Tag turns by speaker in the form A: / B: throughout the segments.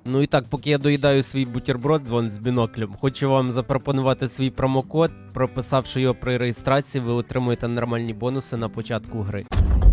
A: Ну і так, поки я доїдаю свій бутерброд вон з біноклем, хочу вам запропонувати свій промокод. Прописавши його при реєстрації, ви отримуєте нормальні бонуси на початку гри.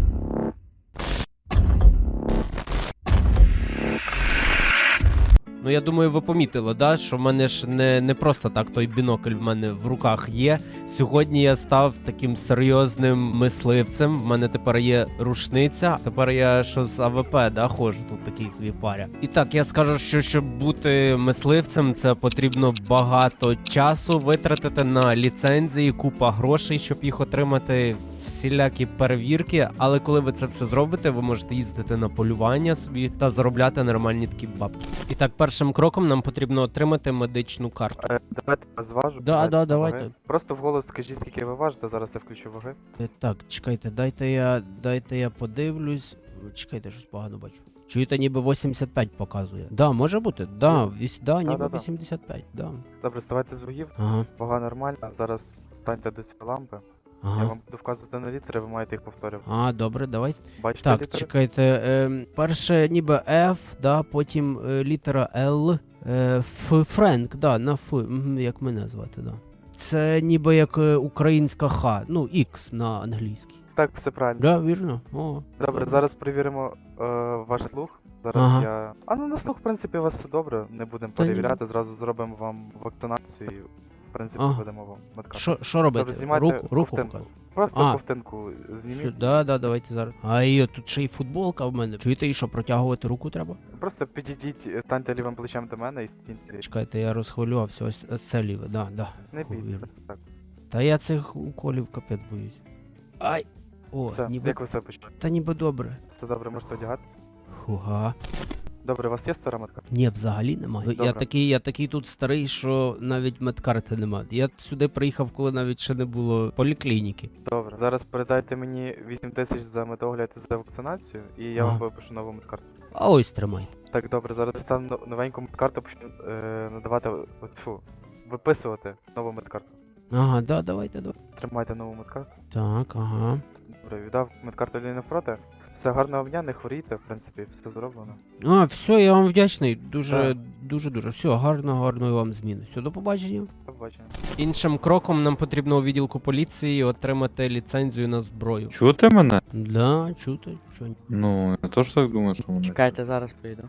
A: Ну, я думаю, ви помітили, да, що в мене ж не просто так той бінокль в мене в руках є. Сьогодні я став таким серйозним мисливцем. В мене тепер є рушниця. Тепер я що з АВП, да, ходжу, тут такий свій паря. І так, я скажу, що щоб бути мисливцем, це потрібно багато часу витратити на ліцензії, купа грошей, щоб їх отримати, всілякі перевірки. Але коли ви це все зробите, ви можете їздити на полювання собі та заробляти нормальні такі бабки. І так, першим кроком нам потрібно отримати медичну карту.
B: Давайте я зважу.
A: Да, давайте.
B: Ваги. Просто вголос скажіть, скільки ви важите, зараз я включу ваги.
A: Так, чекайте, дайте я подивлюсь. Чекайте, щось погано бачу. Чуєте, ніби 85 показує. Да, може бути. Ніби 85, да.
B: Добре, ставайте з вагів.
A: Ага,
B: Вага нормальна. Зараз станьте до цієї лампи. Я
A: ага.
B: вам буду вказувати на літери, ви маєте їх повторювати.
A: Добре, давайте.
B: Бачите
A: Так,
B: літери?
A: чекайте, перше ніби F, да, потім літера L, Френк, да, на Ф, як мене звати, да. Це ніби як українська Х, ну, X на англійській.
B: Так, все правильно.
A: Да, вірно? О,
B: Добре, зараз перевіримо ваш слух. Зараз
A: Ага.
B: я. На слух, в принципі, у вас все добре. Не будемо
A: Та ні.
B: перевіряти, зразу зробимо вам вакцинацію і, в принципі,
A: Ага.
B: видамо вам медкарту.
A: Що робити?
B: Добре, знімайте
A: Руку
B: ковтинку.
A: показую.
B: Просто ковтинку
A: Все,
B: зніміть.
A: давайте зараз. Тут ще й футболка в мене. Чуєте, і що, протягувати руку треба?
B: Просто підійдіть, станьте лівим плечем до мене і стіньте.
A: Чекайте, я розхвилювався, ось це ліве, да.
B: Не
A: Фу,
B: бійтеся.
A: вірно.
B: Так.
A: Та я цих уколів капець боюсь. Ай! О,
B: Все,
A: ніби.
B: як ви все почали?
A: Та ніби добре.
B: Все добре, можете одягатися.
A: Хуга.
B: Добре, у вас є стара медкарта?
A: Ні, взагалі немає.
B: Добре.
A: Я такий тут старий, що навіть медкарти немає. Я сюди приїхав, коли навіть ще не було поліклініки.
B: Добре. Зараз передайте мені 8 тисяч за медогляд і за вакцинацію, і я вам випишу нову медкарту.
A: А ось тримайте.
B: Так, добре, зараз стану новеньку медкарту, почну надавати виписувати нову медкарту.
A: Ага, давайте.
B: Тримайте нову медкарту.
A: Так, ага.
B: Добре, віддав медкарту Ліни навпроти. Все, гарного дня, не хворійте, в принципі, все зроблено.
A: Все, я вам вдячний.
B: Так.
A: Дуже. Все, гарної вам зміни. Все, до побачення.
B: До побачення.
A: Іншим кроком нам потрібно у відділку поліції отримати ліцензію на зброю.
C: Чути мене?
A: Да, чути. Що?
C: Ну, я теж так думаю, що мене.
D: Чекайте, зараз прийду.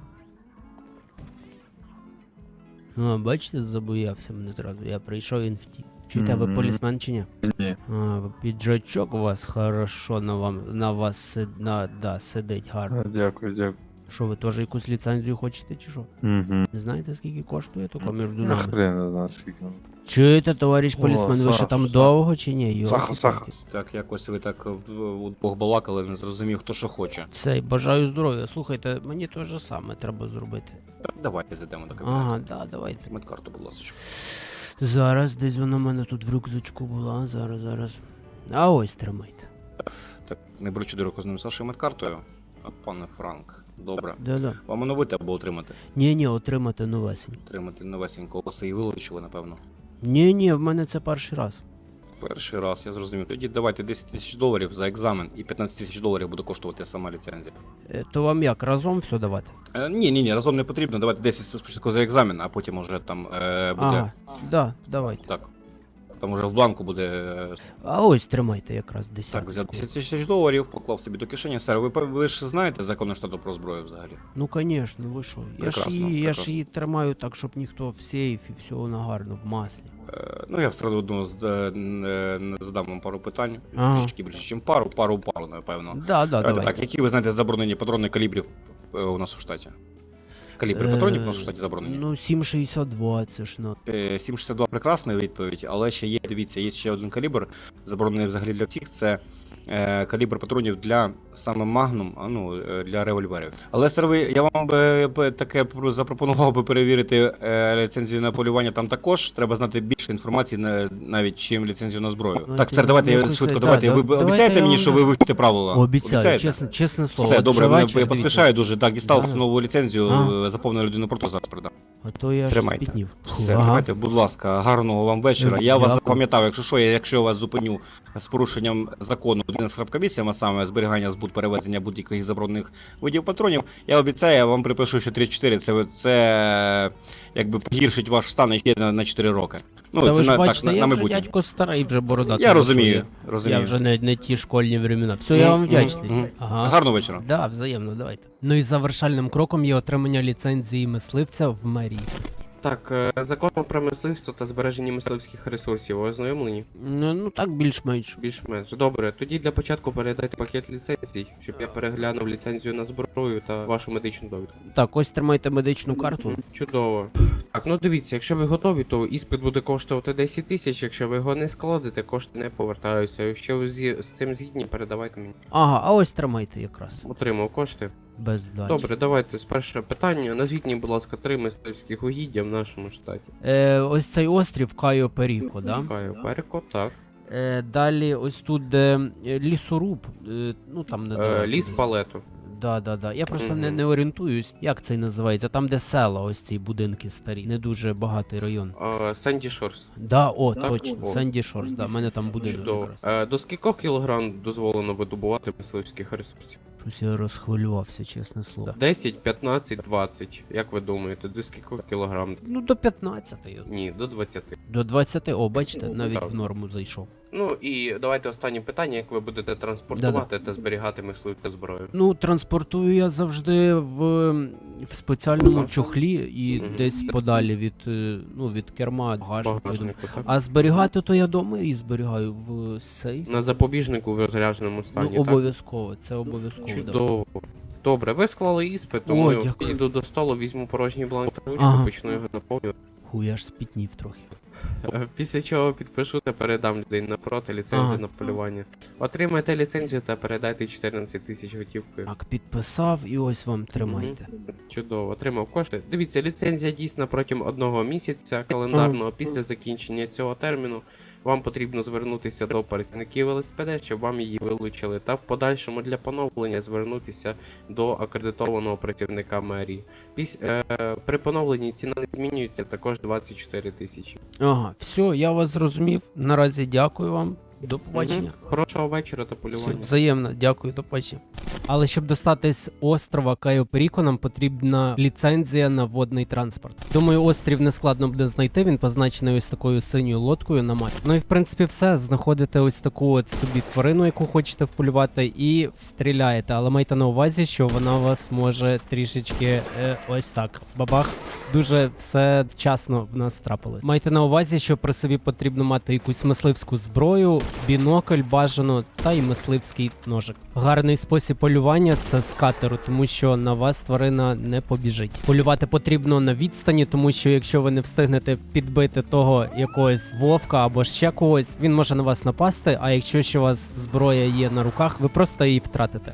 A: Бачите, забоявся мене зразу. Я прийшов, він втік. Чуєте, ви
C: Мгм.
A: полісмен чи ні?
C: Ні.
A: Ви піджачок у вас хорошо на вас сидить гарно.
C: Дякую.
A: Що, ви теж якусь ліцензію хочете чи що?
C: Угу.
A: Не знаєте, скільки коштує тако між
C: Ну,
A: нами?
C: хрен не знаю, скільки.
A: Чуєте, товариш
C: О,
A: полісмен, ви ще
C: Саша,
A: там
C: Саша.
A: довго чи ні?
C: Саха.
E: Так, якось ви так удвох балакали, не зрозумів, хто що хоче.
A: Цей, бажаю здоров'я. Слухайте, мені те ж саме треба зробити.
E: Давайте зайдемо до кабінету.
A: Ага, давайте.
E: Медкарту, будь ласка.
A: Зараз, десь вона в мене тут в рюкзачку була, зараз. А ось тримайте.
E: Так, не беручи до руку з ним Сашою медкартою. Пане Франк, добре.
A: Да.
E: Вам оновити або отримати?
A: Ні, отримати новесень.
E: Отримати новесенького, вас і вилучили, напевно.
A: Ні, в мене це перший раз.
E: Перший раз, я зрозумів. Тоді давайте 10 тисяч доларів за екзамен і 15 тисяч доларів буде коштувати сама ліцензія.
A: То вам як, разом все давати?
E: Ні, разом не потрібно. Давайте 10 спочатку за екзамен, а потім уже там буде.
A: Ага, давайте.
E: Так. Там уже в бланку буде.
A: А ось тримайте якраз 10.
E: Так, взяв 10 тисяч доларів, поклав собі до кишені. Сер, ви ж знаєте закони штату про зброю взагалі?
A: Ну, звісно, ви що? Я ж
E: Прекрасно.
A: її тримаю так, щоб ніхто в сейфі, все вона гарно, в маслі.
E: Ну, я все одно задам вам пару питань.
A: Ага.
E: Трішки більше, ніж пару, напевно.
A: Давайте.
E: Так, які ви знаєте заборонені патрони калібрів у нас у штаті? Калібри патронів у нас у штаті заборонені?
A: Ну, 7,62, це ж на.
E: 7,62 прекрасна відповідь, але ще є, дивіться, є ще один калібр, заборонений взагалі для всіх, це калібр патронів для саме Магнум, для револьверів. Але, сер, я вам би таке запропонував би перевірити ліцензію на полювання там також. Треба знати більше інформації навіть, чим ліцензію на зброю. Так, сер, давайте я швидко, давайте. Ви обіцяєте мені, що ви вивчите правила?
A: Обіцяю, чесне слово.
E: Все, добре,
A: вечір,
E: я поспішаю дуже. Так, дістав
A: Да.
E: нову ліцензію, заповнив людину порту, зараз передам.
A: А то я ж
E: Тримайте.
A: спітнів.
E: Все,
A: Ага.
E: давайте, будь ласка, гарного вам вечора. Я вас
A: Дякую.
E: запам'ятав, якщо я вас зупиню з порушенням закону будинок з храбкомісією, а саме зберігання, збут, перевезення будь-яких заборонених видів патронів, я обіцяю, я вам припишу, що 34 це якби погіршить ваш стан ще на 4 роки. Ну,
A: Та
E: це
A: ви ж
E: на,
A: бачите,
E: так,
A: я
E: на
A: вже
E: майбутнє.
A: дядько старий, вже бородатий.
E: Я
A: ну,
E: розумію,
A: що
E: розумію.
A: Я вже не ті школьні времена. Все, я вам вдячний. Ага.
E: Гарного вечора.
A: Да, взаємно, давайте. Ну і завершальним кроком є отримання ліцензії мисливця в мерії.
D: Так, законом про мисливство та збереження мисливських ресурсів ви ознайомлені?
A: Ну так більш-менш.
D: Більш-менш. Добре, тоді для початку передайте пакет ліцензій, щоб я переглянув ліцензію на зброю та вашу медичну довідку.
A: Так, ось тримайте медичну карту.
D: Чудово. Так, ну дивіться, якщо ви готові, то іспит буде коштувати 10 тисяч, якщо ви його не складете, кошти не повертаються. Якщо ви з цим згідні, передавайте мені.
A: Ага, а ось тримайте якраз.
D: Отримав кошти.
A: Без дачі.
D: Добре, давайте з першого питання. Назвіть мені, будь ласка, 3 мисливських угіддя в нашому штаті.
A: Ось цей острів Кайо Періко, да?
D: Каю Переко, так.
A: Далі ось тут де лісоруб, ну там не
D: Ліс Палету.
A: Да. Я просто
D: Мгм.
A: не орієнтуюсь, як це називається. Там, де села, ось ці будинки старі. Не дуже багатий район.
D: Санді Шорс.
A: Да, о,
D: Так,
A: точно.
D: о.
A: Санді Шорс, да, в мене там будинок
D: Чудово.
A: якраз.
D: До скількох кілограм дозволено видобувати мисливських ресурсів?
A: Щось я розхвилювався, чесне слово.
D: 10, 15, 20. Як ви думаєте, до скількох кілограм?
A: Ну, до 15.
D: Ні, до 20.
A: До 20, о, бачите, навіть
D: Так.
A: в норму зайшов.
D: Ну і давайте останнє питання, як ви будете транспортувати та зберігати мисливську зброю.
A: Ну, транспортую я завжди в спеціальному
D: Ага.
A: чохлі і
D: Мгм.
A: десь подалі від керма, багажнику.
D: Багажнику, так?
A: А зберігати то я дома і зберігаю в сейф.
D: На запобіжнику в розрядженому
A: Ну,
D: стані, так?
A: обов'язково, це обов'язково. Да.
D: Чудово. Добре, ви склали іспит,
A: О,
D: тому я
A: дякую.
D: підійду до столу, візьму порожній бланк та ручку,
A: Ага.
D: почну його наповнювати.
A: Ху, я ж спітнів трохи.
D: Після чого підпишу та передам людей напроти ліцензію
A: Ага.
D: на полювання. Отримайте ліцензію та передайте 14 тисяч готівкою.
A: Так, підписав і ось вам тримайте.
D: Чудово, отримав кошти. Дивіться, ліцензія дійсна протягом 1 місяця календарного. Після закінчення цього терміну вам потрібно звернутися до працівників ЛСПД, щоб вам її вилучили, та в подальшому для поновлення звернутися до акредитованого працівника мерії. При поновленні ціна не змінюється, також 24 тисячі.
A: Ага, все, я вас зрозумів. Наразі дякую вам. До побачення.
D: Мгм. Хорошого вечора та
A: Все,
D: полювання.
A: взаємно, дякую, до побачення. Але щоб достатись з острова Кайо Періко, нам потрібна ліцензія на водний транспорт. Думаю, острів нескладно буде знайти, він позначений ось такою синьою лодкою на мапі. Ну і в принципі все, знаходите ось таку от собі тварину, яку хочете вполювати, і стріляєте. Але майте на увазі, що вона вас може трішечки ось так. Бабах. Дуже все вчасно в нас трапилось. Майте на увазі, що при собі потрібно мати якусь мисливську зброю, бінокль бажано та й мисливський ножик. Гарний спосіб полювання це з катеру, тому що на вас тварина не побіжить. Полювати потрібно на відстані, тому що якщо ви не встигнете підбити того якогось вовка або ще когось, він може на вас напасти, а якщо ще у вас зброя є на руках, ви просто її втратите.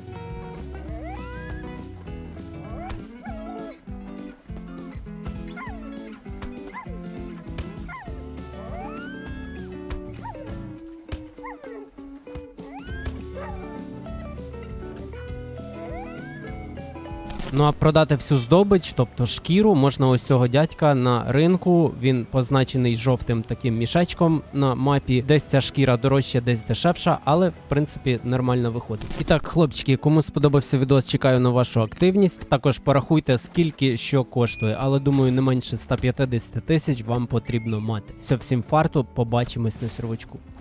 A: Ну а продати всю здобич, тобто шкіру, можна ось цього дядька на ринку. Він позначений жовтим таким мішечком на мапі. Десь ця шкіра дорожча, десь дешевша, але в принципі нормально виходить. І так, хлопчики, кому сподобався відос, чекаю на вашу активність. Також порахуйте, скільки що коштує, але думаю, не менше 150 тисяч вам потрібно мати. Все, всім фарту, побачимось на сервачку.